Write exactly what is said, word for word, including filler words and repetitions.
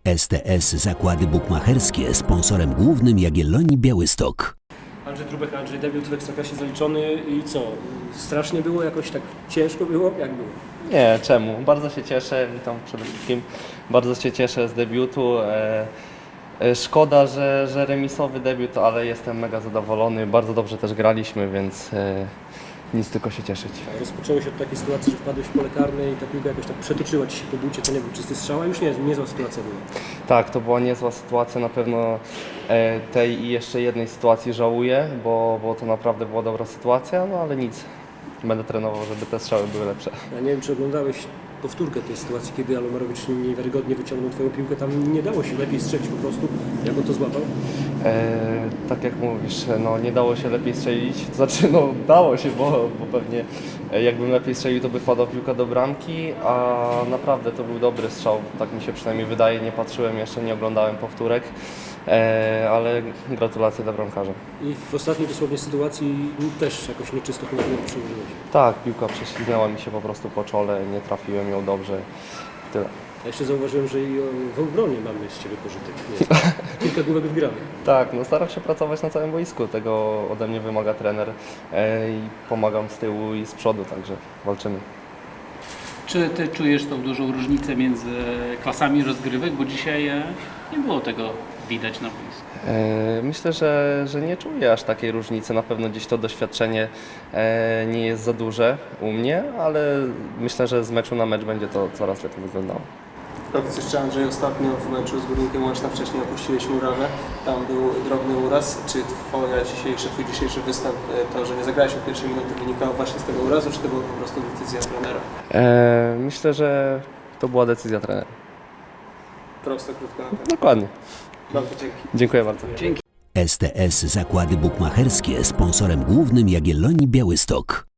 S T S Zakłady Bukmacherskie, sponsorem głównym Jagiellonii Białystok. Andrzej Trubek, Andrzej, debiut w Ekstraklasie zaliczony i co? Strasznie było? Jakoś tak ciężko było? Jak było? Nie, czemu? Bardzo się cieszę, witam przede wszystkim. Bardzo się cieszę z debiutu. E, e, szkoda, że, że remisowy debiut, ale jestem mega zadowolony. Bardzo dobrze też graliśmy, więc e, nic, tylko się cieszyć. Rozpoczęło się od takiej sytuacji, że wpadłeś w pole karne i ta piłka jakoś tak przetoczyła Ci się po bucie, to nie był czysty strzał, a już nie, niezła sytuacja była. Tak, to była niezła sytuacja. Na pewno e, tej i jeszcze jednej sytuacji żałuję, bo, bo to naprawdę była dobra sytuacja, no ale nic. Będę trenował, żeby te strzały były lepsze. Ja nie wiem, czy oglądałeś powtórkę tej sytuacji, kiedy Alomarowicz niewiarygodnie wyciągnął Twoją piłkę, tam nie dało się lepiej strzelić po prostu. Jak on to złapał? E, tak jak mówisz, no nie dało się lepiej strzelić, to znaczy no dało się, bo, bo pewnie e, jakbym lepiej strzelił, to by wpadła piłka do bramki, a naprawdę to był dobry strzał, tak mi się przynajmniej wydaje, nie patrzyłem jeszcze, nie oglądałem powtórek, e, ale gratulacje dla bramkarza. I w ostatniej dosłownie sytuacji też jakoś nieczysto chyba nie przełożyłeś. Tak, piłka prześliznęła mi się po prostu po czole, nie trafiłem ją dobrze, tyle. Ja jeszcze zauważyłem, że i w obronie mamy z Ciebie pożytek. Nie. Kilka główek wgranych. Tak, no staram się pracować na całym boisku, tego ode mnie wymaga trener e, i pomagam z tyłu i z przodu, także walczymy. Czy Ty czujesz tą dużą różnicę między klasami rozgrywek, bo dzisiaj e, nie było tego widać na boisku? E, Myślę, że, że nie czuję aż takiej różnicy, na pewno gdzieś to doświadczenie e, nie jest za duże u mnie, ale myślę, że z meczu na mecz będzie to coraz lepiej wyglądało. Powiedz jeszcze, Andrzej, ostatnio w meczu z Górnikiem Łęczna wcześniej opuściłeś murawę, tam był drobny uraz. Czy twoja dzisiejszy, twój dzisiejszy występ, to, że nie zagrałeś od pierwszej minuty, wynikało właśnie z tego urazu, czy to była po prostu decyzja trenera? E, Myślę, że to była decyzja trenera. Prosto, krótko na temat. Dokładnie. Bardzo dzięki. Dziękuję bardzo. S T S Zakłady Bukmacherskie, sponsorem głównym Jagiellonii Białystok.